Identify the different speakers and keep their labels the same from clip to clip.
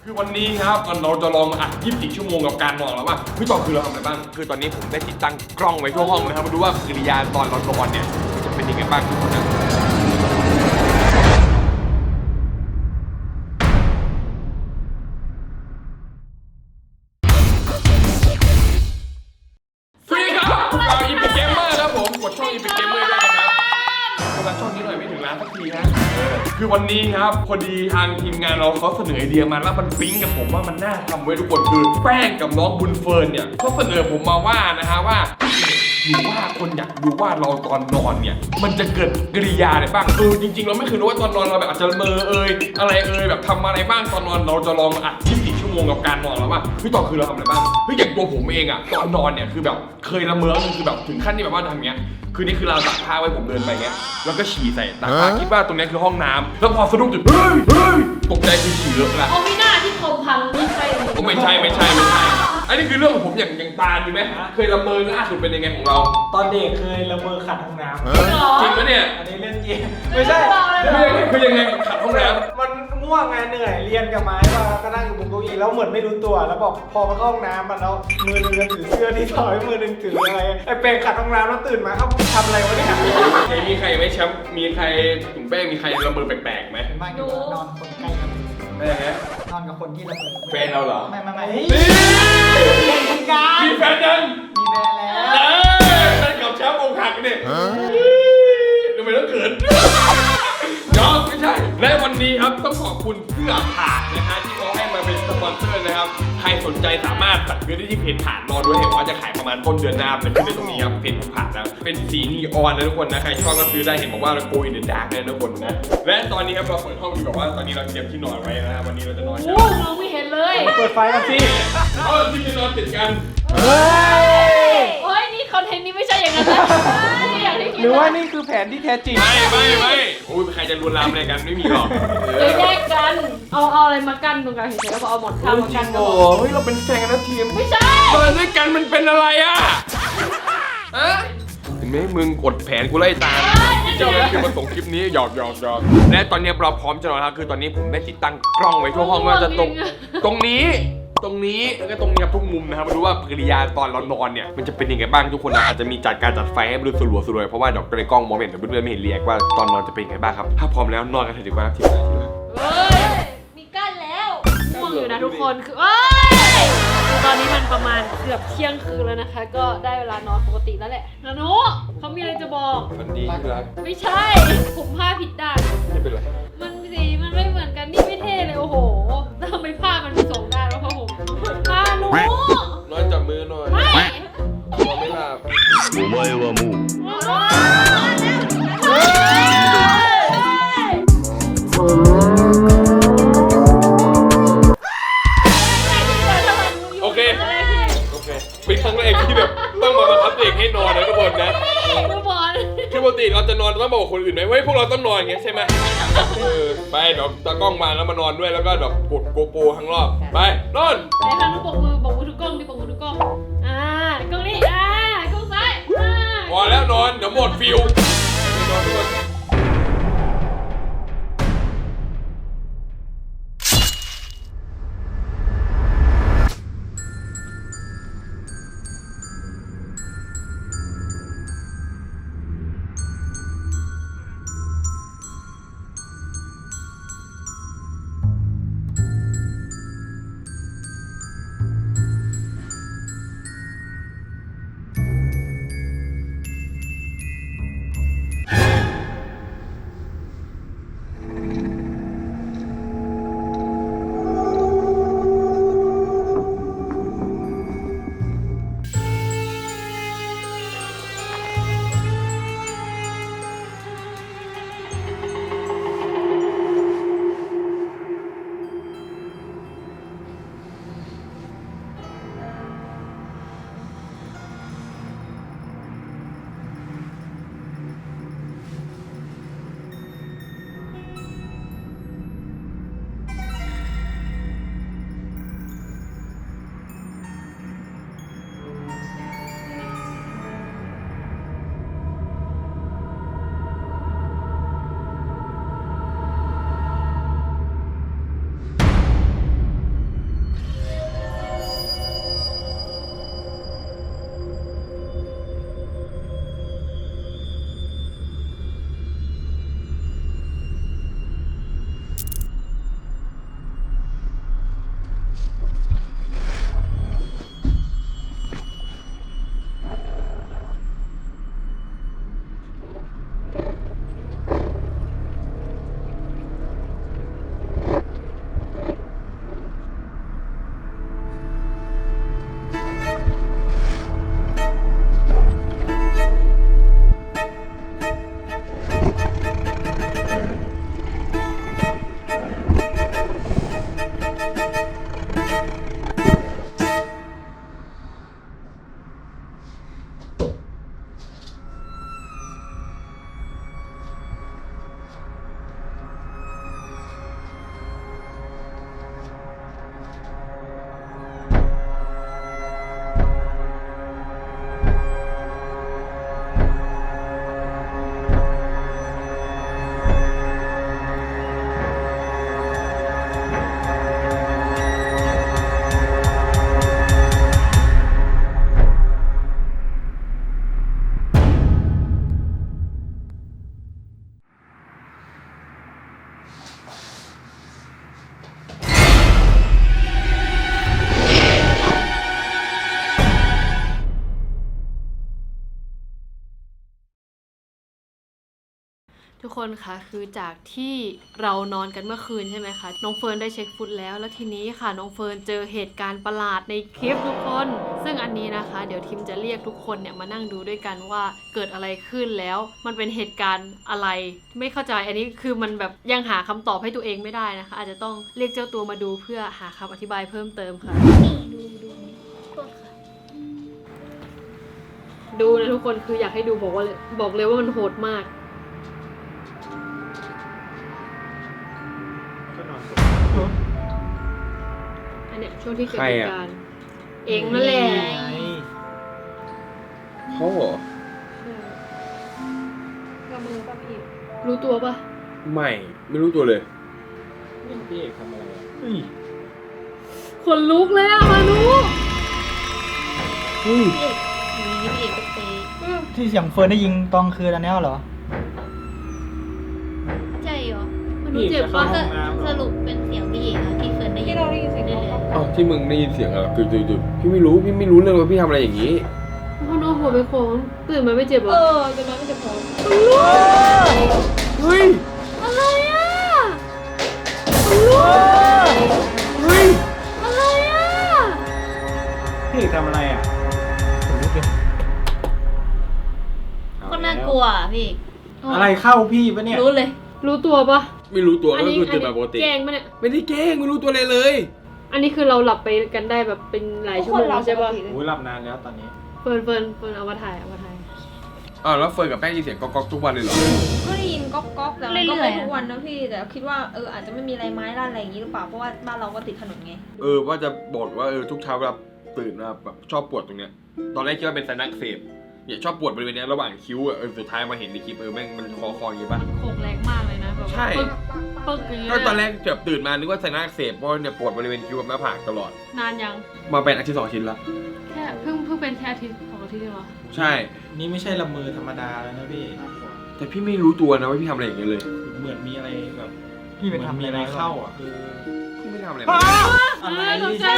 Speaker 1: คือวันนี้ครับเราจะลองอัด24 ชั่วโมงกับการนอนแล้วว่าพี่จอคือเราทำอะไรบ้างคือตอนนี้ผมได้ติดตั้งกล้องไว้ทั่วห้องนะครับมาดูว่ากิริยาตอนเรานอนเนี่ยจะเป็นยังไงบ้างทุกคนนะสวัสดีครับพวกเราอีพิกเกมเมอร์ครับผมกดช่องอีพิกเกมเมอร์ด้วยนะครับกดช่องนี้หน่อยไม่ถึงล้านสักทีนะคือวันนี้ครับพอดีทางทีมงานเราเขาเสนอไอเดียมาแล้วมันปิ๊งกับผมว่ามันน่าทำไว้ทุกคนคือแป้งกับน้องบุญเฟิร์นเนี่ยเขาเสนอผมมาว่านะฮะว่าหรือว่าคนอยากดูว่าเราตอนนอนเนี่ยมันจะเกิดกิริยาอะไรบ้างจริงๆเราไม่เคยรู้ว่าตอนนอนเราแบบอาจจะละเมออะไรแบบทำอะไรบ้างตอนนอนเราจะลองอัด24 ชั่วโมงกับการนอนแล้วว่าพี่ต่อคือเราทำอะไรบ้างอย่างตัวผมเองอะตอนนอนเนี่ยคือแบบเคยละเมอคือแบบถึงขั้นที่แบบว่าทำเงี้ยคือนี่คือเราตักผ้าไว้ผมเดินไปเงี้ยแล้วก็ฉี่ใส่ตักผ้าคิดว่าตรงนี้คือห้องน้ำแล้วพอสะดุ้งตื่นเฮ้ยตกใจคือฉี่เลอะละ
Speaker 2: โอ้ไม่น่าที่คมพังไม่ใช่เลย
Speaker 1: ไม่ใช่อันนี้คือเรื่องของผมอย่างตาลมีไหมเคยละเมอล่าสุดเป็นยังไงของเรา
Speaker 3: ตอนเด็กเคยละเมอขัดห้องน้ำ
Speaker 1: จริงปะเนี่ย
Speaker 3: อันนี้เรื่องจริงไม่ใช่
Speaker 1: คือยังไงขัดห้องน้
Speaker 3: มันง่วงไงเหนื่อยเรียนกับไม้มาก็นั่งอยู่บนเก้าอี้แล้วเหมือนไม่รู้ตัวแล้วบอกพอมาเข้าห้องน้ำมันแล้วมือหนึงก็ถือเสื้อที่ถอยมือหนึงถืออะไรไอ้เปรงขัดห้องน้ำแล้วตื่นมาเขาทำอะไรวะเนี่ย
Speaker 1: ำมีใครไหมแชมป์มีใครถุงแป้งมีใครละเมอแปลกๆไหม
Speaker 3: บ้านอยู่นอนคนใกล้กัน
Speaker 1: ไม่ฮะ
Speaker 3: นอนกับคนที่ละเมอ
Speaker 1: แฟนเราเหรอ
Speaker 3: ไม่
Speaker 1: นี่
Speaker 3: เล่นกัน
Speaker 1: มีแฟนยัง
Speaker 3: มีแฟนแล้ว
Speaker 1: แฟนกับแชมป์อกหักเนี่ยทำไมต้องเขินยอมไม่ใช่และวันนี้ครับต้องขอบคุณเสื้อผ่านนะฮะที่เขาให้มาเป็นสปอนเซอร์นะครับใครสนใจสามารถสั่งซื้อได้ที่เพจผ่านรอด้วยเห็นว่าจะขายประมาณต้นเดือนหน้าเป็นขึ้นในตรงนี้ครับเพจผ่านนะเป็นสีนีออนนะทุกคนนะใครชอบก็ซื้อได้เห็นบอกว่าเราโกยเดอะดาร์กนะทุกคนนะและตอนนี้ครับเราเปิดห้องอยู่แบบว่าตอนนี้เราเตรียมที่นอนไว้นะครับวันนี้เราจะนอน
Speaker 2: โอ้มองไม่เห็นเลย
Speaker 3: เปิดไฟกันสิ
Speaker 1: เอาที่จะนอนติดกัน
Speaker 3: เฮ้ย
Speaker 2: โอ้ยนี่คอนเทนต์นี้ไม่ใช่อย่างนั้นนะไม่อย่างที่คิด
Speaker 3: หรือว่านี่คือแผนที่แท้จริง
Speaker 1: ไม่โอ้ยใครจะลวนลามอะไรกันไม่มีหรอก
Speaker 2: เดี๋ยวแยกกันเอาอะไรมากั้นตรงกลางเฉยๆแล้วก็เอาหมอนข้างมากั้นก็
Speaker 1: โอ้
Speaker 2: พอ
Speaker 1: เฮ้ยเราเป็นแฟนกันนะทีม
Speaker 2: ไม่ใช่
Speaker 1: นอนด้วยกันมันเป็นอะไรอ่ะเห็นไหมมึงกดแผนกูไล่ตามเจ้าคือมาส่งคลิปนี้หยอกและตอนนี้เราพร้อมจะนอนแล้วคือตอนนี้ผมได้ติดตั้งกล้องไว้ทั่วห้องว่าจะตรงนี้แล้วก็ตรงนี้ทุกมุมนะครับมาดูว่ากิริยาตอนเรานอนเนี่ยมันจะเป็นยังไงบ้างทุกคนนะอาจจะมีการจัดไฟให้มันดูสลัวเพราะว่าเดี๋ยวในกล้องมองไม่เห็นแต่เพื่อนๆไม่เห็นเรียกว่าตอนนอนจะเป็นยังไงบ้างครับถ้าพร้อมแล้วนอนกันเถอะดีกว่าทีมงาน
Speaker 2: เฮ้ยมีกั้นแล้วง่วงอยู่นะทุกคนคือคือตอนนี้มันประมาณเกือบเที่ยงคืนแล้วนะคะ ก็ได้เวลานอนปกติแล้วแหละนานุเขามีอะไรจะบอก
Speaker 1: มันดีที่รัก
Speaker 2: ไม่ใช่ผมผ้าผิดด้าน
Speaker 1: ไม่เป็นไร
Speaker 2: มันสีมันไม่เหมือนกันนี่ไม่เท่เลยโอ้โหทำไมผ้ามันมีสองด้านวะพ่อผมผ้าหนู
Speaker 1: นอนจับมือหน่อย
Speaker 2: ไม่
Speaker 1: นอนไม่หลับ
Speaker 4: お前はもう
Speaker 1: โอเคเป็นครั้งแรกที่แบบต้องมาบังคับตัวเองให้นอนนะทุกคนนะ
Speaker 2: ทุกคน
Speaker 1: คือปกติเราจะนอนต้องบอกคนอื่นไหมเว้ยพวกเราต้องนอนอย่างเงี้ยใช่ไหมไปเดี๋ยวตากล้องมาแล้วมานอนด้วยแล้วก็แบบกดโกโปรทั้งรอบไปนอน
Speaker 2: ในทางนุบอกมือทุกกล้องดิบอกมือทุกกล้องกล้องนี้กล้องซ้าย
Speaker 1: พอแล้วนอนเดี๋ยวหมดฟิลนอนทุกคน
Speaker 2: กคนคะคือจากที่เรานอนกันเมื่อคืนใช่ไหมคะน้องเฟิร์นได้เช็คฟุตแล้วทีนี้ค่ะน้องเฟิร์นเจอเหตุการณ์ประหลาดในคลิปทุกคนซึ่งอันนี้นะคะเดี๋ยวทีมจะเรียกทุกคนเนี่ยมานั่งดูด้วยกันว่าเกิดอะไรขึ้นแล้วมันเป็นเหตุการณ์อะไรไม่เข้าใจอันนี้คือมันแบบยังหาคำตอบให้ตัวเองไม่ได้นะคะอาจจะต้องเรียกเจ้าตัวมาดูเพื่อหาคำอธิบายเพิ่มเติมค่ะดูนะทุกคนคืออยากให้ดูบอกเลยว่ามันโหดมาก
Speaker 3: ก็นอน
Speaker 2: อันเนี้ยช่วงที่เกิดเหตุการณ์เองนั่นแหละ
Speaker 1: เขาเหรอ
Speaker 2: กับมือป่ะพี่รู้ตัวป่ะ
Speaker 1: ไม่รู้ตัวเลย
Speaker 3: นี่พี่เอกทำอะไร
Speaker 2: ขนลุกเลยอะมานุ
Speaker 5: พี่เอกก็เตะที่เสียงเฟิร์นได้ยิงตอนคืนอันนี้เหรอ
Speaker 2: ใช่เหรอมานุ
Speaker 3: พี่
Speaker 2: เจ็บ
Speaker 3: จะ
Speaker 2: ป่ะ
Speaker 3: เข้าห้องน้ำเหร
Speaker 5: ส
Speaker 3: อ
Speaker 5: รุปเป็นเสียงพี่เอกนะที่เฟิร์นได้ยิน
Speaker 2: ที่เราได้ยินเสียง
Speaker 5: เรื่อย
Speaker 1: อ้าวที่มึงได้ยินเสียงอะคือพี่ไม่รู้เรื่องว่าพี่ทำอะไรอย่างนี้
Speaker 2: มานุหัวไปโค้งตื่นมาไม่เจ็บเหรอตื่นมาไม่เจ็บหัว
Speaker 1: เฮ้ย
Speaker 2: อะไรอะ
Speaker 1: เฮ้ย
Speaker 2: อะไรอะ
Speaker 3: พี่เอกทำอะไรอ่ะ
Speaker 5: ๆคนน่ากลัวอะพี่เอก
Speaker 3: อะไรเข้าพี่ปะเนี่ย
Speaker 5: รู้เลย
Speaker 2: รู้ตัวป่ะ
Speaker 1: ไม่รู้ตัวก็คือตื่นมาปกติ
Speaker 2: แกล้งปะเนี่ย
Speaker 1: ไม่ได้แกล้งไม่รู้ตัวอะไรเลย
Speaker 2: อันนี้คือเราหลับไปกันได้แบบเป็นหลายชั่วโมงใช่ป่ะ
Speaker 3: โอ้ยหลับนานแล้วตอนนี้
Speaker 2: เฟิร์นเอามาถ่าย
Speaker 1: อ้าวแล้วเฟิร์นกับแป้งยินเสียงก๊อกทุกวันเลยเหรอ
Speaker 6: ก็ได้ยินก๊อกๆแต่มันก็ไม่ทุกวันนะพี่แต่คิดว่าอาจจะไม่มีอะไรไม้ด้านอะไรอย่างนี้หรือเปล่าเพราะว่าบ้านเราก็ติดถนนไง
Speaker 1: ว่าจะบอกว่าทุกเช้าเวลาตื่นมาแบบชอบปวดตรงเนี้ยตอนแรกคิดว่าเป็นไซนัสอักเสบเนี่ยชอบปวดบริเวณเนี้ยระหว่างคิ้วสุดท้ายมาเห็นในคลิปแม่งมันคออย่างงี้ป่ะ
Speaker 2: โขกแรงมากเลยนะแบบ
Speaker 1: ใช่
Speaker 2: ปึ๊กอย่างเงี้ย
Speaker 1: ก็ตอนแรกแบบตื่นมานึกว่าไซนัสอักเสบเพราะเนี่ยปวดบริเวณคิ้วกับหน้าผากตลอด
Speaker 2: นานยัง
Speaker 1: มาเป็นอาทิตย์2 อาทิตย์ละ
Speaker 2: แค่เพิ่งเป็นแค่อาทิตย์2 อาทิตย์เองเหรอ
Speaker 1: ใช่
Speaker 3: นี่ไม่ใช่ละเมอธรรมดาแล้วนะพี่
Speaker 1: แต่พี่ไม่รู้ตัวนะว่าพี่ทำอะไรอย่างเงี้ยเลย
Speaker 3: เหมือนมีอะไรแบบ
Speaker 5: พี่ไปทำ
Speaker 3: มีอะไรเข้าอ่ะ
Speaker 1: พี่ไม่ทำอะไร
Speaker 3: อะไร
Speaker 2: ตกใจ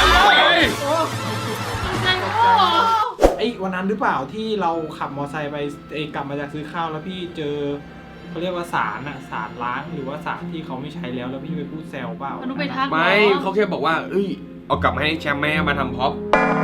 Speaker 3: ไอ้วันนั้นหรือเปล่าที่เราขับมอไซค์ไปกลับมาจากซื้อข้าวแล้วพี่เจอเขาเรียกว่าสารล้างหรือว่าสารที่เขาไม่ใช้แล้วพี่ไปพูดแซวเปล่า
Speaker 2: อนุไปทัก
Speaker 1: ไม่เขาแค่บอกว่าเอากลับมาให้แชมป์แม่มาทำพ็อป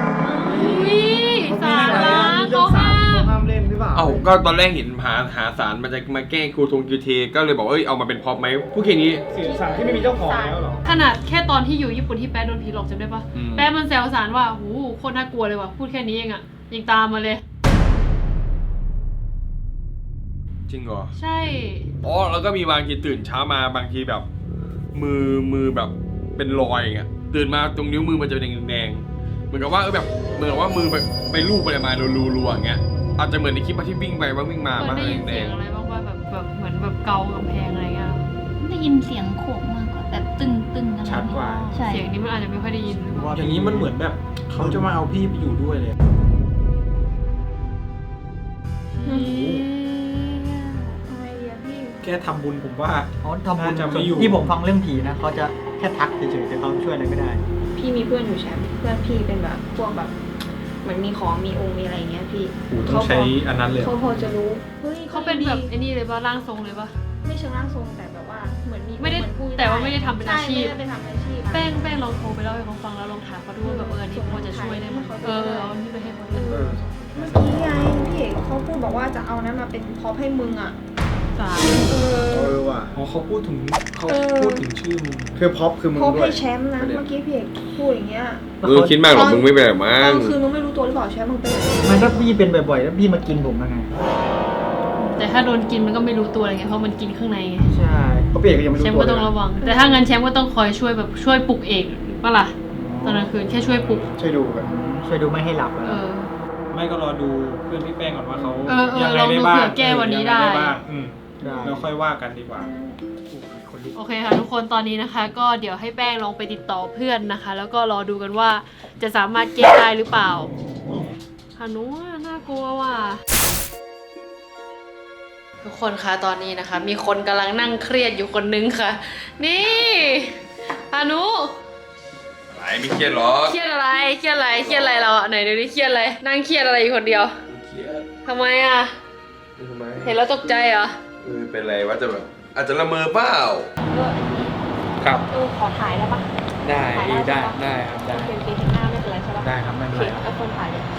Speaker 2: สารล้างเขาห้าม
Speaker 3: ห้ามเล่นหรือเปล่า
Speaker 1: ก็ตอนแรกเห็นหาสารมันจะมาแกล้งครูทงคิวเทก็เลยบอกเอามาเป็นพ็อปไหมพูดแค่นี้
Speaker 3: สารที่ไม่มีเจ้าของแล้วเหรอ
Speaker 2: ขนาดแค่ตอนที่อยู่ญี่ปุ่นที่แป๊ะโดนผีหลอกจำได้ปะ
Speaker 1: อืม
Speaker 2: แป๊ะมันแซวสารว่าหูโคตรน่ากลัวเลยว่ะพูดแค่นี้เองอะยังตามมาเลย
Speaker 1: จริงเหรอ
Speaker 2: ใช่
Speaker 1: แล้วก็มีบางทีตื่นเช้ามาบางทีแบบ มือแบบเป็นรอยอย่างเงี้ยตื่นมาตรงนิ้วมือมันจะเป็นแดงๆเหมือนกับว่าแบบเหมือนกับว่ามือไปลูบอะไรมารัวๆอย่างเงี้ยอาจจะเหมือนในคลิปที่วิ่งไปว่าวิ่งมา
Speaker 2: เฟิร์
Speaker 1: บ้าน ง
Speaker 2: ได้ยิน
Speaker 1: แด
Speaker 2: เสีย
Speaker 1: ง
Speaker 2: งอะไรบ้างว่าแบบเหมือนแบบเกากำแพงอะไรเงี้ย
Speaker 5: ได้ยินเสียงโขกมากกว่าแบบตึงๆอะไร
Speaker 3: ชัดกว่า
Speaker 5: ใช่
Speaker 2: เสียงนี้มันอาจจะไม่ค่อยได้ยินหรือเปล่า
Speaker 3: อย่างนี้มันเหมือนแบบเขาจะมาเอาพี่ไปอยู่ด้วยเลย แค่ทำบุญผมว่า
Speaker 5: เขาทำบุญ
Speaker 3: น่าจะไม่อยู่
Speaker 5: ที่ผมฟังเรื่องผีนะเขาจะแค่ทักเฉยๆแต่เขาช่วยอะไรไม่ได้
Speaker 6: พี่มีเพื่อนอยู่แชมป์เพื่อนพี่เป็นแบบพวกแบบเหมือนมีของมีองค์มีอะไรอย่างเงี้ยพี่
Speaker 3: ต้องใช้อันนั้นเลย
Speaker 6: เขาพอจะรู้เฮ้ย
Speaker 2: เขาเป็นแบบไอ้นี่เลยป่ะร่างทรงเลยป่ะ
Speaker 6: ไม่เชิงร่างทรงแต่แบบว่าเหมือนมี
Speaker 2: ไม่ได้
Speaker 6: เหอนพู
Speaker 2: แต่ว่าไม่ได้ทำเป็นอาชีพ
Speaker 6: ใไม่ได้ไปทำอาชีพ
Speaker 2: แป้งลองโทรไปเล่าให้เขาฟังแล้วลองถามเขาดูว่าแบบอันนี้พอจะช่วยได้ไหมเอาอันนี้ไปให้เขาดู
Speaker 6: เมื่อกี้ไงพี่เอกเขาพูดบอกว่าจะเอานั้นมาเป็นพร็อพให้มึงอ่ะ
Speaker 2: สาร
Speaker 7: ว่ะ
Speaker 3: เขาพูดถึงชื่อมึง
Speaker 7: คือพ็อปคือมึง
Speaker 6: พร็อพ
Speaker 7: ด้ว
Speaker 6: ให้
Speaker 7: ย
Speaker 6: แชมป์นะเมื่อกี้พี่เอกพูดอย่างเงี้ย
Speaker 1: คิดมากหรอกมึงไม่เป็นหรอกมั้
Speaker 6: ตอง นคืนมึงไม่รู้ตัวหรือเปล่าแชมป์มึงเป็นอะไร
Speaker 5: มันถ้าพี่เป็นบ่อยๆแล้วพี่มากินผมยังไง
Speaker 2: แต่ถ้าโดนกินมันก็ไม่รู้ตัวอะไรเงี้ยเพราะมันกินข้างในไง
Speaker 5: ใช่
Speaker 7: เพราะเปียกก็ยังไม่
Speaker 2: แช
Speaker 7: รู้
Speaker 2: มป์
Speaker 7: ตัว
Speaker 2: ก็ต้องระวัง แต่ถ้างั้นแชมป์ก็ต้องคอยช่วยแบบช่วยปลุกเอกป่ะล่ะตอนกลางคืนแค่ช่วยปลุก
Speaker 7: ช่วยดูกัน
Speaker 5: ช่วยดูไม่ให้หลับ
Speaker 3: ไม่ก็รอดูเพื่อนพี่แป้งก่อนว่าเขา
Speaker 2: ล
Speaker 3: ยั
Speaker 2: อง
Speaker 3: ไง
Speaker 2: ดู
Speaker 3: ได้บ้าง
Speaker 2: เผื่อแก้วันนี้ได้
Speaker 3: ยังงบ้าง
Speaker 5: ได้
Speaker 3: แล้วค่อยว่ากันดีกว่า
Speaker 2: โอเคค่ะทุกคนตอนนี้นะคะ ก็เดี๋ยวให้แป้งลองไปติดต่อเพื่อนนะคะ แล้วก็รอดูกันว่าจะสามารถแก้ได้หรือเปล่าฮานุน่ากลัวว่ะทุกคนคะตอนนี้นะคะ มีคนกำลังนั่งเครียดอยู่คนนึงค่ะ นี่ฮานุ
Speaker 1: อะไรไม่เครียดหรอ
Speaker 2: เครียดอะไรเราอะไหนดูดิเครียดอะไรนั่งเครียดอะไรอยู่คนเดียวทำไมอะเห็นแล้วตกใจเหรอ
Speaker 1: เป็นไรวะจะแบบอาจจะละเมอเปล่า
Speaker 6: อันนี้
Speaker 7: ครับ
Speaker 6: ขอถ่ายได้ปะ
Speaker 7: ได้
Speaker 6: ถ่าย
Speaker 7: ได้
Speaker 6: ใช่ปะ
Speaker 7: ได้ครับได้
Speaker 6: เป็นเพียงหน้าไม่เป็นไรใช่ปะ
Speaker 7: ได้ครับไม่เป็นไร
Speaker 6: โอเคคนถ่ายเลย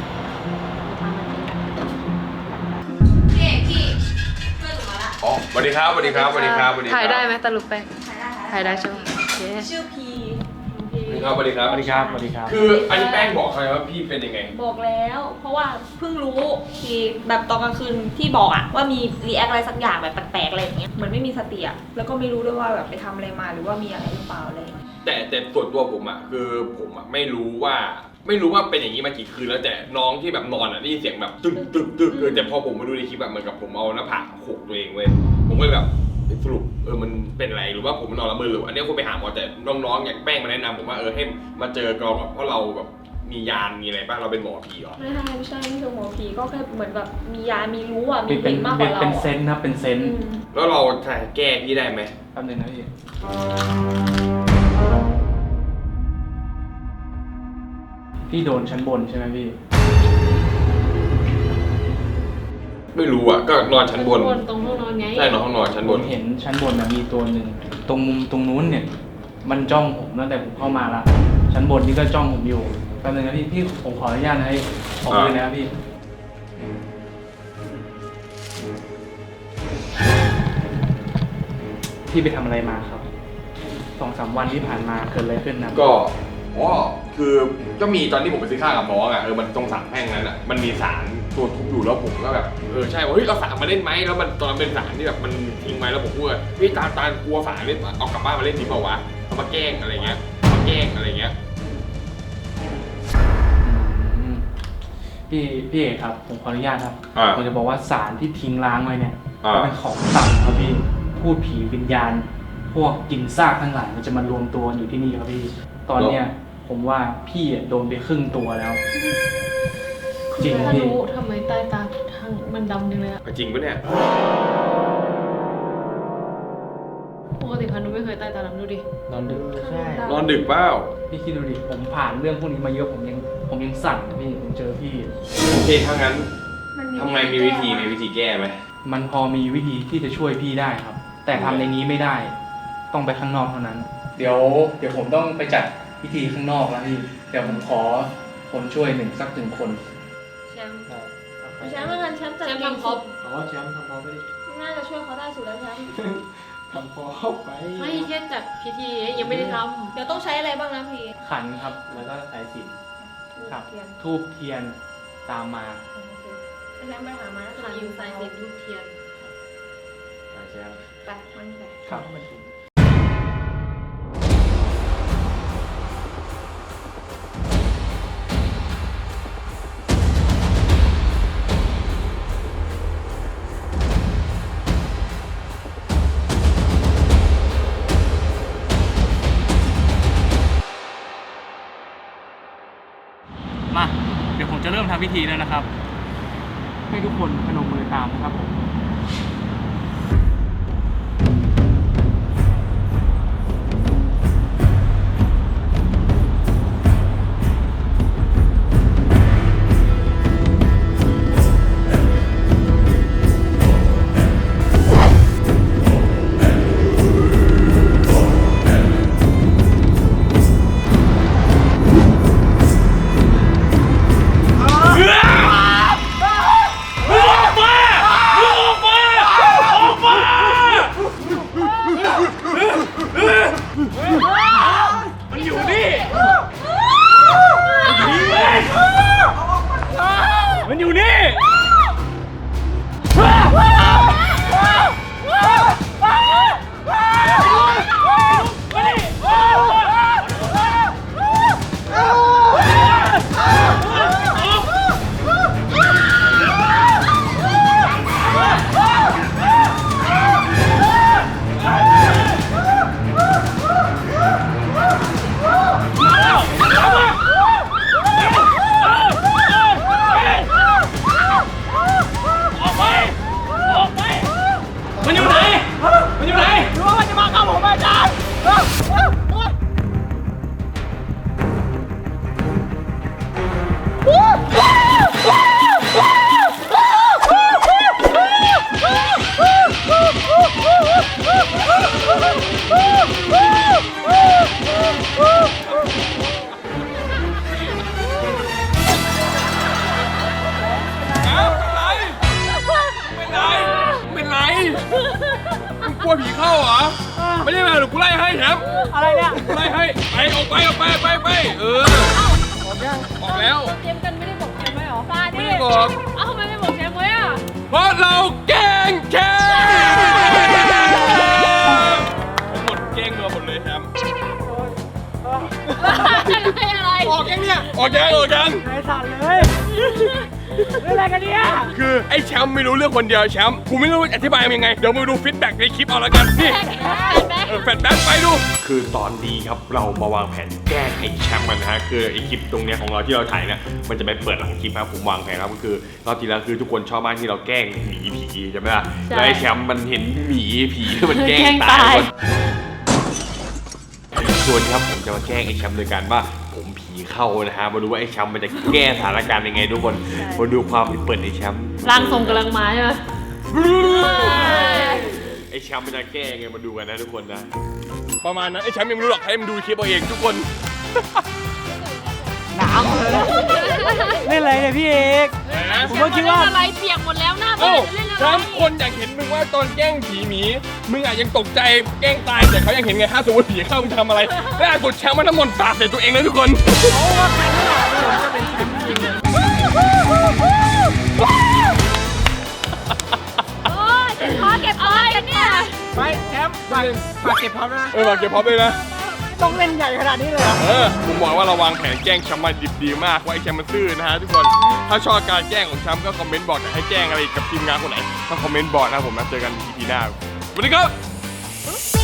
Speaker 1: อ๋อสวัสดีครับสวัสดีครับสวัสดีครับสวัสดีครับ
Speaker 2: ถ่ายได้ไหมตะลุกแป้งถ่ายได้ใช่ไหมโอเค
Speaker 6: ชื่อพี
Speaker 1: สวัสดีครับสวัสดีครับ
Speaker 7: สวัสดีครับสวัสดีครับ
Speaker 1: คืออันนี้แป้งบอกใครว่าพี่เป็นยังไง
Speaker 6: บอกแล้ว เพราะว่าเพิ่งรู้ทีแบบตอนกลางคืนที่บอกอะว่ามีรีแอคอะไรสักอย่างแบบแปลกๆอะไรอย่างเงี้ยเหมือนไม่มีสติอะแล้วก็ไม่รู้ด้วยว่าแบบไปทำอะไรมาหรือว่ามีอะไรหรือเปล่าอะไรอย่างเงี้ย
Speaker 1: แต่ส่วนตัวผมอ่ะคือผมอ่ะไม่รู้ว่าเป็นอย่างนี้มากี่คืนแล้วแต่น้องที่แบบนอนอ่ะได้ยินเสียงแบบตึกตึกตึกแต่พอผมมาดูในคลิปแบบเหมือนกับผมเอาหน้าผากโขกตัวเองเว้ยผมก็เลยแบบสรุปมันเป็นอะไรหรือว่าผมนอนละเมอหรืออันนี้คุณไปหาหมอแต่น้องๆอย่างแป้งมาแนะนำผมว่าให้มาเจอกองแบบเพราะเราแบบมียานมีอะไรบ้างเราเป็นหมอผีเหรอ
Speaker 6: ไม่ใช่ไม่ใช่หมอผีก็แค่เหมือนแบบมียามีรู้อะมี
Speaker 7: เป็น
Speaker 6: เห็นมากกว่าเรา
Speaker 7: เป็นเซนส์ครับเป็นเซนส์
Speaker 1: แล้วเราจะแก้พี่ได้ไหม
Speaker 7: แป๊บนึงนะพี่พี่โดนชั้นบนใช่ไหมพี่
Speaker 1: ไม่รู้อ่ะก็นอนชั้นบน
Speaker 2: ตรงห้องนอนไง
Speaker 1: ใช่นอนห้องนอนชั้น
Speaker 7: ผ
Speaker 1: บน
Speaker 7: มเห็นชั้นบนนะมีตัวหนึ่งตรงมุมตรงนู้นเนี่ย มันจ้องผมตั้งแต่ผมเข้ามาละชั้นบนนี่ก็จ้องผมอยู่แป๊บนึงนะพี่ผมขออนุญาตนะให้ขอเลยนะครับพี่พี่ไปทำอะไรมาครับ2-3 วันที่ผ่านมาเกิดอะไรขึ้นนะ
Speaker 1: ก็คือก็มีตอนที่ผมไปซื้อข้าวกับน้องอ่ะมันตรงสามแพร่งนั้นอ่ะมันมีสารตัวทุบอยู่แล้วผมก็แบบใช่ว่าเฮ้ยเราสารมาเล่นไหมแล้วมันตอนนั้นเป็นสารที่แบบมันทิ้งไว้แล้วผมพูดว่าเฮ้ยตาลกลัวสารเล่นเอากลับบ้านมาเล่นดีเปล่าวะเอามาแกล้งอะไรเงี้ยมาแกล้งอะไรเงี้ย
Speaker 7: อืมพี่เอกครับผมขออนุญาตครับ
Speaker 1: อ่า
Speaker 7: ผมจะบอกว่าสารที่ทิ้งล้างไว้เนี่ย
Speaker 1: อ่า
Speaker 7: เป็นของต่ำครับพี่พูดผีวิญญาณ พวกกินซากทั้งหลายมันจะมารวมตัวอยู่ที่นี่ครับพี่ ตอนเนี้ยผมว่าพี่โดนไปครึ่งตัวแล้ว จริง
Speaker 2: ถ้า
Speaker 7: พี่
Speaker 2: รู้ทำไมใต้ตาทางมันดำจังเลยอะ
Speaker 1: จริงปะเนี่ย
Speaker 2: ปกติพานุไม่เคยใต้ตาดำดูดิ
Speaker 7: นอนดึก
Speaker 5: ใช่
Speaker 1: นอนดึกเปล่า
Speaker 7: พี่คิดดูดิผมผ่านเรื่องพวกนี้มาเยอะผมยังสั่นพี่ผมเจอพี่
Speaker 1: โอเคถ้างั้นทำไงมีวิธีแก้ไหม
Speaker 7: มันพอมีวิธีที่จะช่วยพี่ได้ครับ แต่ทำในนี้ไม่ได้ ต้องไปข้างนอกเท่านั้น เดี๋ยวผมต้องไปจัดพิธีข้างนอกแล้วพี่เดี๋ยวผมขอคนช่วยสักหนึ่งคน
Speaker 6: แชมป์แชมป์มันแชมป์จัด
Speaker 2: แชมป์
Speaker 6: เก่ง
Speaker 2: ทำคร
Speaker 6: สุ
Speaker 2: บ
Speaker 6: ด
Speaker 5: อ๋อแชมป์ทำพอไปดิ
Speaker 6: น่าจะช่วยเขาได้สุดแล้วแชมป์
Speaker 5: ทำพอไป
Speaker 2: ไม่แค่จัดพิธียังไม่ได้ท
Speaker 6: เดี๋ยวต้องใช้อะไรบ้างนะพี่
Speaker 7: ขันครับ แล้วก็สายสิญจนครับ
Speaker 6: เทียน
Speaker 7: ทูบเทียนตามมา
Speaker 6: โอเคแชมป์ไปหามา
Speaker 2: ำขันยิงสายเสียบลูกเทียน
Speaker 7: แชมป์
Speaker 6: ไปมันไป
Speaker 7: ครับ มา เดี๋ยวผมจะเริ่มทำพิธีแล้วนะครับ ให้ทุกคนพนมมือตามนะครับผม
Speaker 1: มึงออกมาไปเออออกแล้ว
Speaker 2: เตรียมกันไม่ได้บอกแชมป์ไว้หรอ
Speaker 1: ไม่ได้บอก
Speaker 2: เอ้าทำไมไม่บอกแชมป์ไว้อ่ะ
Speaker 1: เพราะเราแกล้งแชมป์ทั้งหมดแกล้งเราหมดเลยแชมป์
Speaker 2: อะไร
Speaker 3: ออกยังเนี่ย
Speaker 1: ออกยัง
Speaker 5: ไอ้สั่นเลยเรื่องอะไรกันเนี่ย
Speaker 1: คือไอ้แชมป์ไม่รู้เรื่องคนเดียวแชมป์กูไม่รู้อธิบายยังไงเดี๋ยวมาดูฟีดแบ็กในคลิปเอาละกันนี่แฟนแบ็คไปดู คือตอนนี้ครับเรามาวางแผนแกล้งไอ้แชมป์กันนะฮะคือไอ้คลิปตรงเนี้ยของเราที่เราถ่ายเนี่ยมันจะไปเปิดหลังคลิปครับผมวางแผนครับก็คือรอบที่แล้วคือทุกคนชอบมากที่เราแกล้งหมีผีใช่ไหมล่ะแล้วไอ้แชมป์มันเห็นหมีผีมันแกล้งตายส่วนนี้ครับผมจะมาแกล้งไอ้แชมป์โดยการว่าผมผีเข้านะฮะมาดูว่าไอ้แชมป์มันจะแก้สถานการณ์ยังไงทุกคนมาดูความเปิดไอ้แชมป์
Speaker 2: ร่างทรงกำลังมาใช่ไหม
Speaker 1: ไอ้แชมป์มันจะแก้ไงมาดูกันนะทุกคนนะประมาณนั้นไอ้แชมป์ยังไม่รู้หรอกให้มันดูคลิปเอาเองทุกคน
Speaker 5: หนาวเลยนะเล่นอะไรเนี่ยพี่เอก ผมก็คิดว่า
Speaker 2: อะไรเปียกหมดแล้วหน้าบ้า
Speaker 1: เอ้าน
Speaker 2: จะเล่นอะไร
Speaker 1: แชมป์คนอยากเห็นมึงว่าตอนแกล้งผีหมีมึงอาจยังตกใจแกล้งตายแต่เขายังเห็นไงถ้าสมมติผีเข้ามึงทำอะไรล่าสุดแชมป์มันน้ำมนต์สาดใส่ตัวเองเลยทุกคน
Speaker 2: โอ้ยขอเก็บอะไรกันเนี่ย
Speaker 3: ไปแชมป์ฝากเก็บพร้อมนะ
Speaker 1: ฝากเก็บพร้อมเลยนะ
Speaker 5: ต้องเล่นใหญ่ขนาดนี้เลยเหรอ
Speaker 1: ผมบอกว่าเราวางแผนแกล้งแชมป์มาดิบดีมากว่าไอ้แชมป์มันซื่อนะฮะทุกคน ถ้าชอบการแกล้งของแชมป์ก็คอมเมนต์บอกให้แกล้งอะไรกับทีมงานคนไหนก็คอมเมนต์บอกนะผมนะเจอกัน EP หน้าสวัสดีครับ